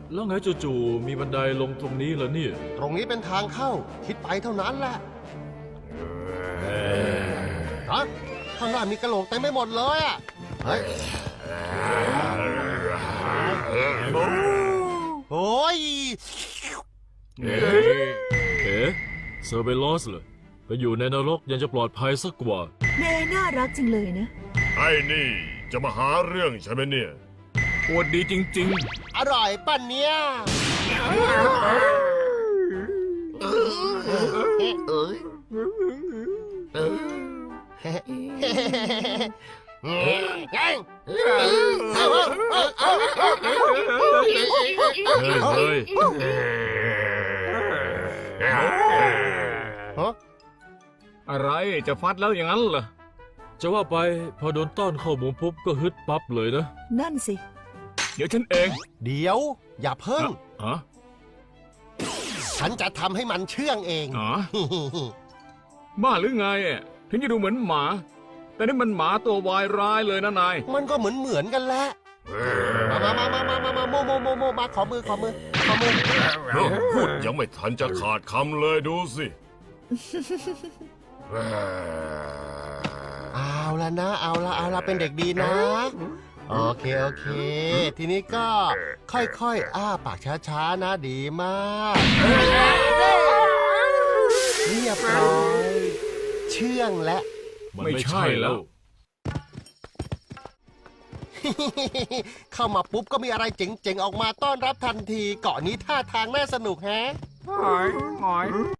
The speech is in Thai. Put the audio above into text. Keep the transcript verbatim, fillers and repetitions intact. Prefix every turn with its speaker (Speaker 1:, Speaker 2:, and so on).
Speaker 1: แล้วไงจู่ๆมีบันไดลงตรงนี้เหรอเนี่ย
Speaker 2: ตรงนี้เป็นทางเข้าคิดไปเท่านั้นแหละฮะข้างหน้ามีกระโหลกเต็มไปหมดเลยอ่ะเฮ้ยโอ้ย
Speaker 1: เอ๊ะเอ๊ะเซอร์เบลอสเลยไปอยู่ในนรกยังจะปลอดภัยสักกว่า
Speaker 3: เนน่ารักจังเลยนะ
Speaker 4: ไอ้นี่จะมาหาเรื่องใช่ไหมเนี่ย
Speaker 1: ปวดดีจริง
Speaker 2: ๆอร่อยป่ะเนี่ย
Speaker 1: เฮ้ย
Speaker 5: อะไรจะฟัดแล้วอย่างนั้นเหรอ
Speaker 1: จะว่าไปพอโดนต้อนเข้ามุมปุ๊บก็ฮึดปั๊บเลยนะ
Speaker 3: นั่นสิ
Speaker 5: เดี๋ยวฉันเอง
Speaker 2: เดี๋ยวอย่าเพิ่ง
Speaker 5: ฮะ
Speaker 2: ฉันจะทำให้มันเชื่องเอง
Speaker 5: อ๋อบ้าหรือไงถึงจะดูเหมือนหมาแต่นี่มันหมาตัววายร้ายเลยนะนาย
Speaker 2: มันก็เหมือนเหมือนกันแหละมามามามามามาโมโมโมโมมาขอมือขอมือขอมือ
Speaker 4: พูดยังไม่ทันจะขาดคำเลยดูสิ
Speaker 2: เอาละนะเอาละเอาละเป็นเด็กดีนะโอเคโอเคทีนี้ก็ค่อยๆอ้าปากช้าๆนะดีมากเรียบร้อยเชื่องและ
Speaker 1: ไม่ใช่แล้ว
Speaker 2: เข้ามาปุ๊บก็มีอะไรเจ๋งๆออกมาต้อนรับทันทีเกาะนี้ท่าทางน่าสนุกแฮะ